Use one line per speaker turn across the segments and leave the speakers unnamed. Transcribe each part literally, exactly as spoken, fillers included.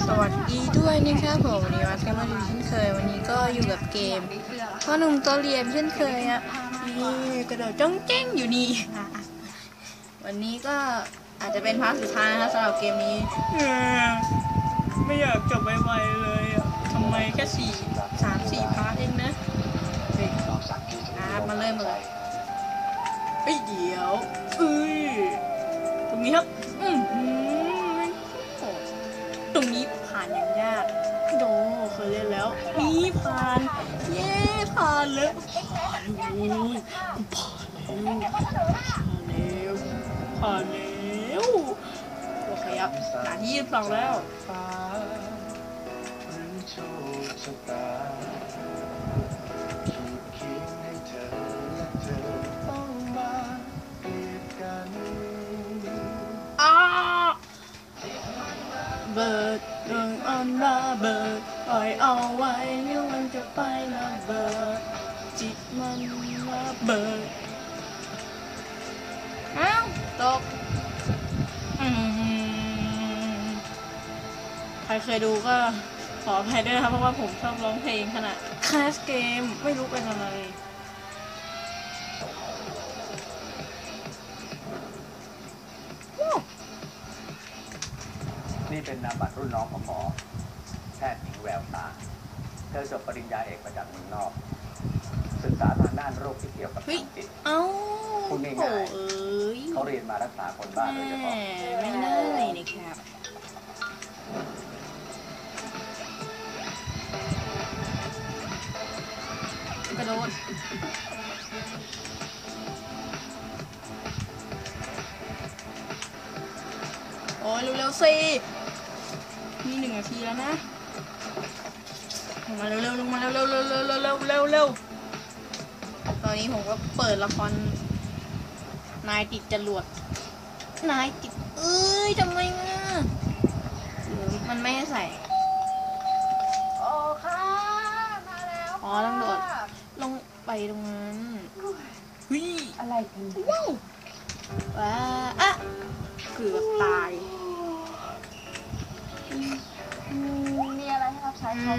สวัสดีด้วยนะครับผมวันนี้มากันมาดูเช่นเคยวันนี้ก็อยู่กับเกมพ่อหนุ่มตัวเรียนเช่นเคยอ่ะนี่กระโดดจ้องเจ้งอยู่นี่วันนี้ก็อาจจะเป็นพาร์ทสุดท้ายนะครับสำหรับเกมนี้ไม่อยากจบไวๆเลยอ่ะทำไมแค่สี่สามสี่พาร์ทเองนะเฮ้ยครับมาเริ่มเลยเฮ้ยเดี๋ยวเอ้ยตรงนี้ครับอืมตรงนี้ผ่านอย่างยากโดเคยเล่นแล้วนี่ผ่านเย้ผ่านแล้วผ่านเลยผ่านแล้วผ่านแล้วโอเคครับด่านที่ยี่สิบสองแล้วอ้าเบิดเรื่องอันระเบิดปล่อยเอาไว้เดี๋ยวมันจะไประเบิดจิตมันระเบิดอ้าวตกอืมใครเคยดูก็ขออภัยด้วยนะครับเพราะว่าผมชอบร้องเพลงขณะคลาสเกมไม่รู้เป็นอะไร
นี่เป็นนามบัตรรุ่นน้องของหมอแพทย์หญิงแววตาเธอจบปริญญาเอกมาจากเมืองนอกศึกษาทางด้านโรคที่เกี่ยวกับทางจิต
เอ้า
พูดง่ายๆเขาเรียนมารักษาคนบ้าโดยเฉพาะ
ไม่ได้นะครับกระโดดโอ้ยเร็วๆสิมีหนึ่งนาทีแล้วนะลงมาเร็วๆลงมาเร็วๆเร็วๆเร็วๆเร็วๆเร็วๆเร็วตอนนี้ผมก็เปิดละครนายติดจรวดนายติดเอ้ยทำไมอ่ะหรือมันไม่ให้ใส่
โอ้ค่ะมาแล้ว
อ๋อต้องโดดลงไปตรงนั้นเฮ้ย
อะไรกัน
ว้าวว้าอะเกือบตาย
มีอะไรให้รับใช้ครับ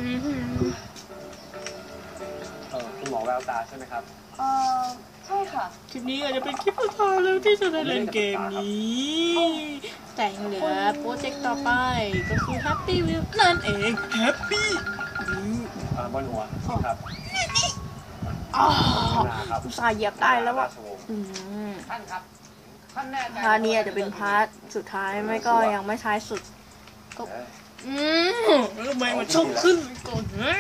เออคุณหมอแววตาใช่ไหมครับ
เออใช่ค่ะ
คลิปนี้อาจจะเป็นคลิปสุดท้ายแล้วที่จะได้เล่นเกมนี้แต่ยังเหลือโปรเจกต์ต่อไปก็คือ Happy Wheel นั่นเอง Happy Wheel
อ่าบนหัวครับ
อ๋ออุตส่าห์เหยียบได้แล้วว่ะ
ท่านครับ
พาร์ทนี้อาจจะเป็นพาร์ทสุดท้ายไม่ก็ยังไม่ท้ายสุดก็อืมแล้วทำไมมันชอบขึ้นก่อนนะ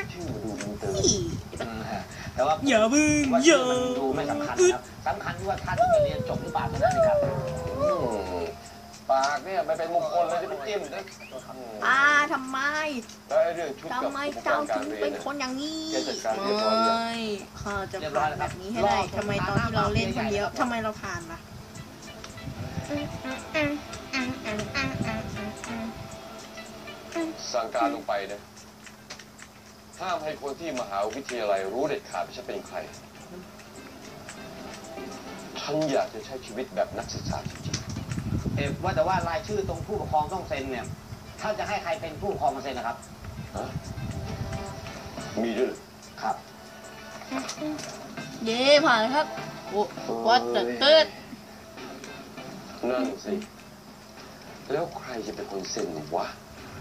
แต่ว่า
อย่าบึ้งอย่า
ดูไม่สำคัญครับสำคัญที่ว่าท่านจะเรียนจบหรือเปล่าเท่านั้นเองครับ
ปากเนี่ยไม่เป็นมงคลเลยจะไปจิ้มนะ
อ่าทำไมทำไมเจ้าถึงเป็นคนอย่างนี้ไม่ข้าจะผ่านแบบนี้ให้ได้ทำไมตอนที่เราเล่นคนเดียวทำไมเราผ่านล่ะ
สั่งการลงไปนะห้ามให้คนที่มหาวิทยาลัยรู้เด็ดขาดว่าฉันเป็นใครฉันอยากจะใช้ชีวิตแบบนักศึกษาจริง
ๆเอ๊ะว่าแต่ว่ารายชื่อตรงผู้ปกครองต้องเซ็นเนี่ยถ้าจะให้ใครเป็นผู้ปกครองมาเซ็นนะครับ
มีด้วย
ครับ
เย่ผ่านครับโอ้วัดเติร์ด
นั่นสิแล้วใครจะเป็นคนเซ็นวะ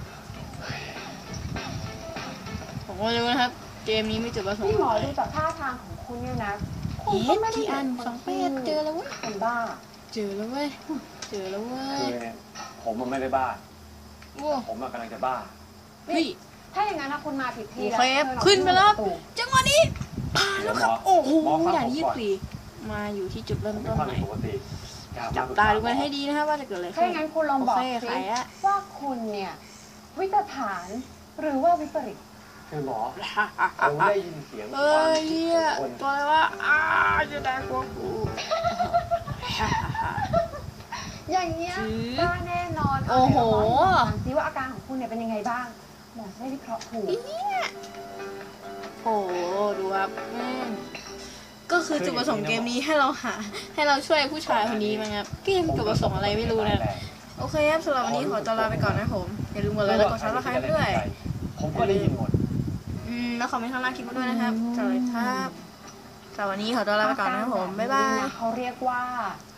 ผมก็รู้นะครับเกมนี้ไม่จุดประสงค์
พี่หมอดูจากท่าทางของคุณเนี่ยนะ
คุณก็ไม่ได้อันสองแปดเจอแล้วเว้ย
เป็นบ้า
เจอแล้วเว้ยเจอแล้วเว้ย
ผมมันไม่ได้บ้าผมมันกำลังจะบ้า
เฮ้ย
ถ้าอย่างนั้นนะคุณมาผิดที่
แล้วขึ้นไปแล้วจังหวะนี้ผ่านแล้วครับโอ้โหอย่างยี่สิบมาอยู่ที่จุดเริ่มต้นไหนจับตาดูกันให้ดีนะครับว่าจะเกิดอะไรขึ้น
ถ้าอย่างนั้นคุณลองบอกสิว่าคุณเนี่ยวิตฐานหรือว่าวิปริต
คือหมอผมได้ยินเสียง
เอ้ยตัวอะไรวะอ้าจะได้กลัวกู
อย่างเงี้ยก็แน่นอน
โอ้โห
ซิว่าอาการของคุณเนี่ยเป็นยังไงบ้างหมอจะได้วิเคราะห์ถูก
โอ้ดูครับก็คือจุดประสงค์เกมนี้ให้เราหาให้เราช่วยผู้ชายคนนี้มั้งครับเกมจุดประสงค์อะไรไม่รู้นะโอเคครับสำหรับวันนี้ขอตัวลาไปก่อนนะผมอย่าลืมกดไลค์และกดซับสไครป์ด้วย
ผมก็ได้ยินหมด
อืมแล้วคอมเมนต์ข้างล่างคลิปมาด้วยนะครับสวัสดีครับสำหรับวันนี้ขอตัวลาไปก่อนนะครับผมบ๊ายบาย
เขาเรียกว่า